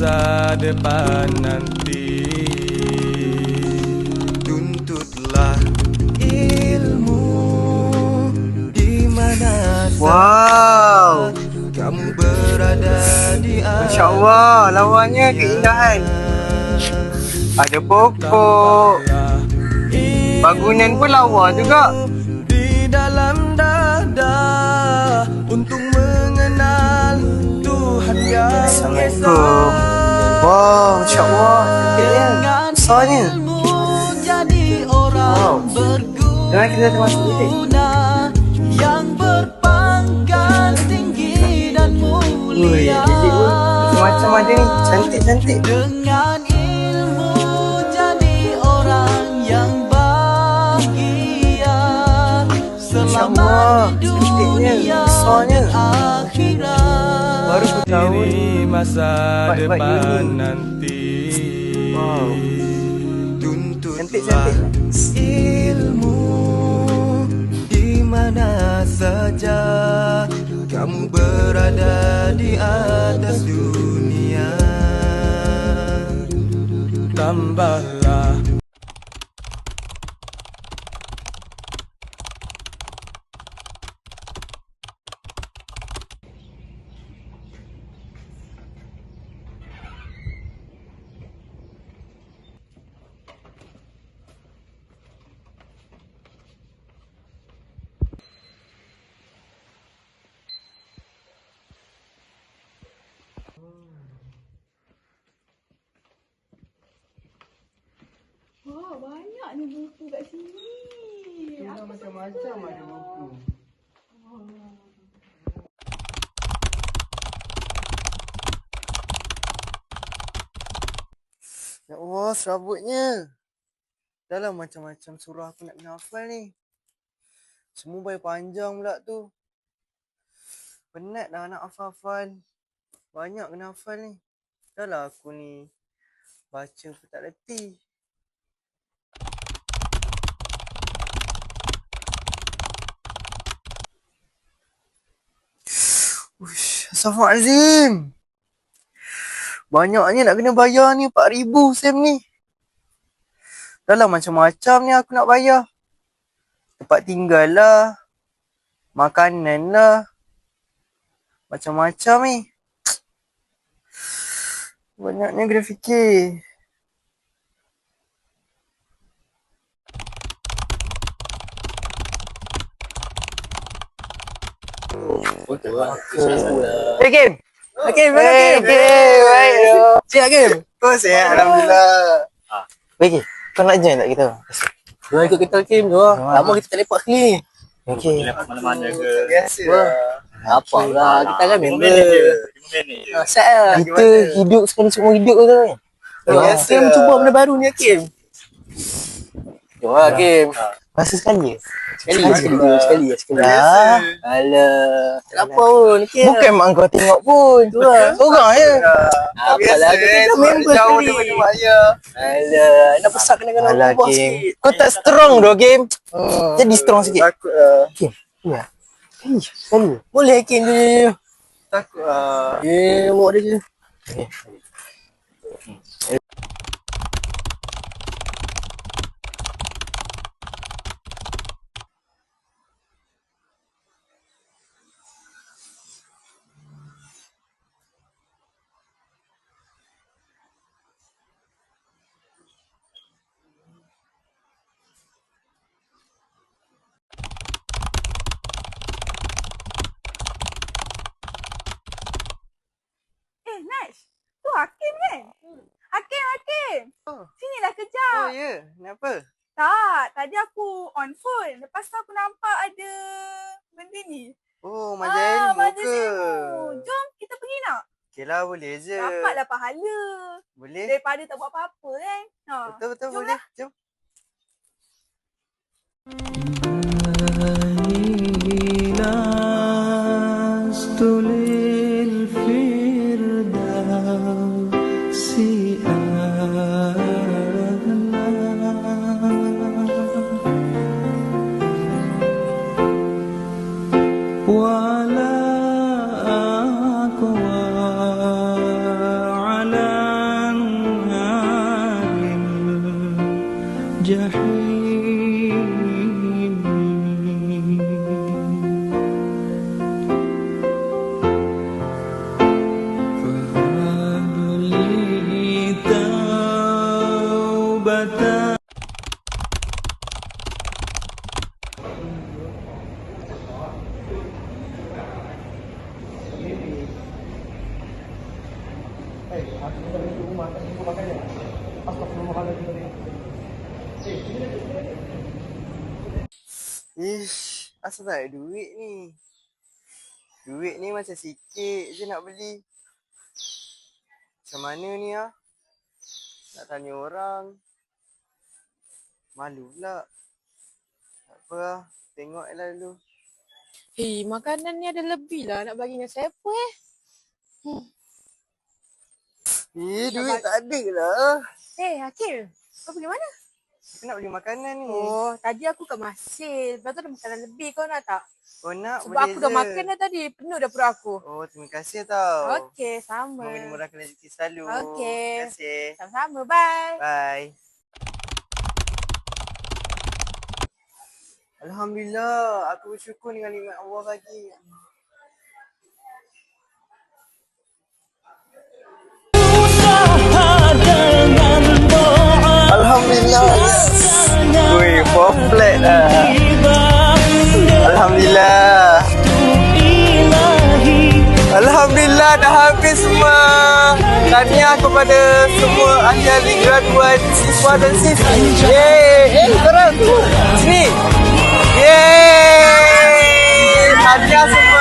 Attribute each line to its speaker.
Speaker 1: masa depan nanti. Tuntutlah ilmu di mana
Speaker 2: Wow,
Speaker 1: kamu berada di
Speaker 2: Masya Allah, lawannya keindahan. Ada pokok, bangunan pun lawa juga.
Speaker 1: Di dalam dada untuk mengenal Tuhan yang
Speaker 2: Assalamualaikum. Wow, Masya Allah, cantiknya, besarnya.
Speaker 1: jadi orang
Speaker 2: Jangan kita termasuk ini.
Speaker 1: yang berpangkat tinggi dan mulia.
Speaker 2: Macam ada ni, cantik-cantik.
Speaker 1: Dengan ilmu jadi orang yang bahagia selama di dunia dan akhirat.
Speaker 2: Baru aku tahu
Speaker 1: Ini masa depan nanti.
Speaker 2: Wow,
Speaker 1: Tuntutlah ilmu di mana saja kamu berada di atas dunia. Tambahlah
Speaker 3: Wah, banyak ni buku kat sini.
Speaker 2: macam-macam ada buku. Ya Allah, serabutnya. Dah lah macam-macam surah aku nak kena hafal ni. Semua baik panjang pula tu. Penat dah nak hafal-hafal. Banyak kena hafal ni. Dah lah aku ni baca pun tak reti. Uish, Astaghfirullahaladzim. Banyaknya nak kena bayar ni, 4,000 sem ni. Dah lah macam-macam ni aku nak bayar. Tempat tinggal lah, makanan lah, macam-macam ni. Banyaknya kena fikir. Hey Kim! Hakim, mana Kim? Baik. Siap Kim? Oh siap, Alhamdulillah. Baik Kim, kau nak join tak kita?
Speaker 4: Jom ikut kita Kim tu. Lama kita tak lepak sini.
Speaker 2: Okey.
Speaker 4: Lepak mana-mana ke.
Speaker 2: Biasa.
Speaker 4: Apa lah, kita kan member. Set lah.
Speaker 2: Kita hidup sekali seumur hidup ke kan?
Speaker 4: Biasa. Kim cuba benda baru ni Kim. Jom lah Kim.
Speaker 2: Masa sekali je?
Speaker 4: Sekali.
Speaker 2: Dah.
Speaker 4: Alah. Tak apa pun Kim.
Speaker 2: Bukan mak kau tengok pun.
Speaker 4: Tu lah.
Speaker 2: Seorang je.
Speaker 4: Apalah, kita member sekali. Alah, nak pesak kena-kena
Speaker 2: Alah
Speaker 4: ubah
Speaker 2: Kim.
Speaker 4: sikit.
Speaker 2: Kau tak strong doh Kim. Jadi strong sikit.
Speaker 4: Takut lah.
Speaker 2: Kim. Ya. Sekali.
Speaker 4: Boleh Kim tu.
Speaker 2: Takut lah.
Speaker 4: Buat dia je.
Speaker 3: Nash, tu Hakim kan? Hakim.
Speaker 2: Oh.
Speaker 3: Sinilah kejap.
Speaker 2: Oh ya, kenapa?
Speaker 3: Tak, tadi aku on phone. Lepas tu aku nampak ada benda ni.
Speaker 2: Oh, majalah ilmu
Speaker 3: majalah
Speaker 2: ke?
Speaker 3: ilmu. Jom kita pergi nak.
Speaker 2: Okey lah, boleh je.
Speaker 3: Dapatlah pahala.
Speaker 2: Boleh.
Speaker 3: Daripada tak buat apa-apa kan.
Speaker 2: Betul,
Speaker 3: Jom
Speaker 2: boleh.
Speaker 3: lah.
Speaker 2: Jom.
Speaker 1: ولا أقوى على
Speaker 4: duduk rumah tak jumpa makanan. Astagfirullahaladzim.
Speaker 2: Ish, asal tak ada duit ni? Duit ni macam sikit je nak beli. Macam mana ni ah? Nak tanya orang. Malu pula. Tak apa lah. Tengok je lah dulu.
Speaker 5: Makanan ni ada lebih lah nak bagi dengan siapa
Speaker 2: Duit tak ada lah.
Speaker 5: Akil, kau pergi mana?
Speaker 2: Aku nak beli makanan ni.
Speaker 5: Oh, tadi aku kat Masin. Lepas tu ada makanan lebih, kau nak tak?
Speaker 2: Oh nak,
Speaker 5: Sebab
Speaker 2: boleh
Speaker 5: aku dah
Speaker 2: je.
Speaker 5: makan dah tadi, penuh dah perut aku.
Speaker 2: Oh, terima kasih tau.
Speaker 5: Okey, sama.
Speaker 2: Semoga dimurahkan rezeki selalu.
Speaker 5: Okey.
Speaker 2: Terima kasih.
Speaker 5: Sama-sama, bye.
Speaker 2: Bye. Alhamdulillah, aku bersyukur dengan nikmat Allah bagi. Alhamdulillah. Wih, perfect lah. Alhamdulillah. Alhamdulillah dah habis semua. Tahniah kepada semua ahli-ahli graduan siswa dan siswi. Yeay, korang sini. Yeay. Tahniah semua.